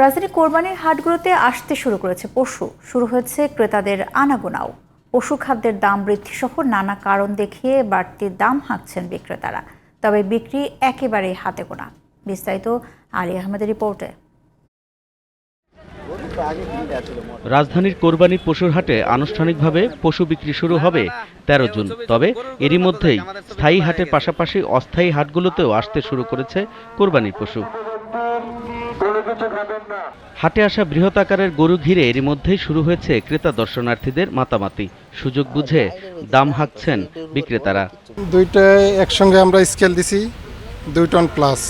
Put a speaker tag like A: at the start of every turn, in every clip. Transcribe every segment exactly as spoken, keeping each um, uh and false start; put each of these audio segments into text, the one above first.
A: রাজধানী কোরবানির হাটগুলোতে আসতে শুরু করেছে পশু, শুরু হয়েছে ক্রেতাদের আনাগোনাও। পশু খাদ্যের দাম বৃদ্ধি সহ নানা কারণ দেখিয়ে বাড়তি দাম হাঁকছেন বিক্রেতারা, তবে বিক্রি একেবারেই হাতে গোনা। বিস্তারিত আলী আহমেদের রিপোর্টে।
B: রাজধানীর কোরবানির পশুর হাটে আনুষ্ঠানিকভাবে পশু বিক্রি শুরু হবে তেরো জুন। তবে এরই মধ্যেই স্থায়ী হাটের পাশাপাশি অস্থায়ী হাটগুলোতেও আসতে শুরু করেছে কোরবানির পশু। হাটে আসা বৃহৎ আকারের গরু ঘিরে এরই মধ্যেই শুরু হয়েছে ক্রেতা দর্শনার্থীদের মাতামাতি। সুযোগ বুঝে দাম হাঁকছেন বিক্রেতারা।
C: দুইটা একসঙ্গে আমরা স্কেল দিছি দুই টন প্লাস।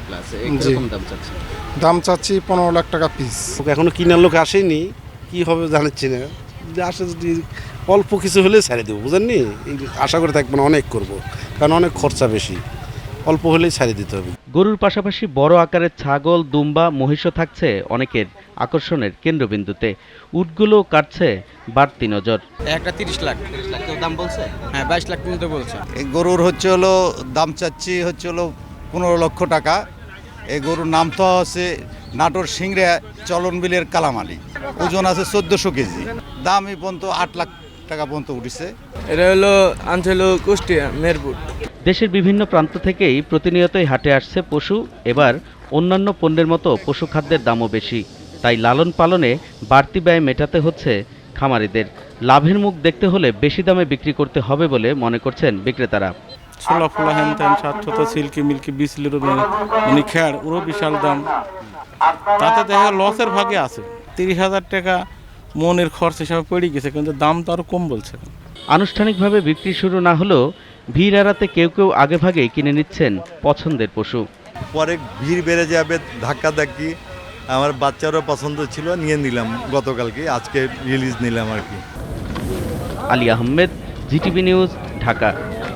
C: দাম চাচ্ছি পনেরো লাখ টাকা পিস।
D: এখনো কিনার লোক আসেনি, কি হবে জানাচ্ছি না। যদি আসে, যদি অল্প কিছু হলে ছেড়ে দেবো, বুঝেননি। আশা করে থাকবো না, অনেক করব, কারণ অনেক খরচা বেশি। অল্প হলেই ছাড়ি দিতে হবে।
B: গরুর পাশাপাশি বড় আকারের ছাগল, দুম্বা, মহিষও থাকছে অনেকের আকর্ষণের কেন্দ্রবিন্দুতে। উটগুলো কাটছে বাড়তি নজর।
E: একটা তিরিশ লাখ
B: তিরিশ লাখ দাম বলছে।
E: হ্যাঁ, বাইশ লাখ পর্যন্ত বলছে।
F: এই গরুর হচ্ছে হলো দাম চাচ্ছি হচ্ছে হলো পনেরো লক্ষ টাকা। এই গরুর নাম তো হচ্ছে নাটোর সিংড়ে চলনবিলের কালামালি। ওজন আছে চোদ্দোশো কেজি। দাম এই পর্যন্ত আট লাখ টাকা পর্যন্ত উঠেছে।
E: এটা হলো আনছে হলো কুষ্টিয়া মেরপুর।
B: দেশের বিভিন্ন প্রান্ত থেকেই প্রতিনিয়তই হাটে আসছে পশু। এবার অন্যান্য পণ্যের মতো পশু খাদ্যের দামও বেশি, তাই লালন পালনে বাড়তি ব্যয় মেটাতে হচ্ছে খামারিদের। লাভের মুখ দেখতে হলে বেশি দামে বিক্রি করতে হবে বলে মনে করছেন বিক্রেতারা।
G: ছোলা ফোলা হ্যান ত্যান সাতশত সিল্কি মিল্কি বিসলির মানে খেয়ার ওরও বিশাল দাম। তাতে দেখা লসের ভাগে আছে। তিরিশ হাজার টাকা মনের খরচ হিসাবে পড়ে গেছে, কিন্তু দাম তো আরও কম বলছে।
B: আনুষ্ঠানিকভাবে বিক্রি শুরু না হলেও ভিড় এড়াতে কেউ কেউ আগে ভাগে কিনে নিচ্ছেন পছন্দের পশু।
H: পরে ভিড় বেড়ে যাবে, ধাক্কা ধাক্কি। আমার বাচ্চারও পছন্দ ছিল, নিয়ে নিলাম গতকালকে, আজকে রিলিজ নিলাম আর কি।
B: Ali Ahmed, GTV news, Dhaka.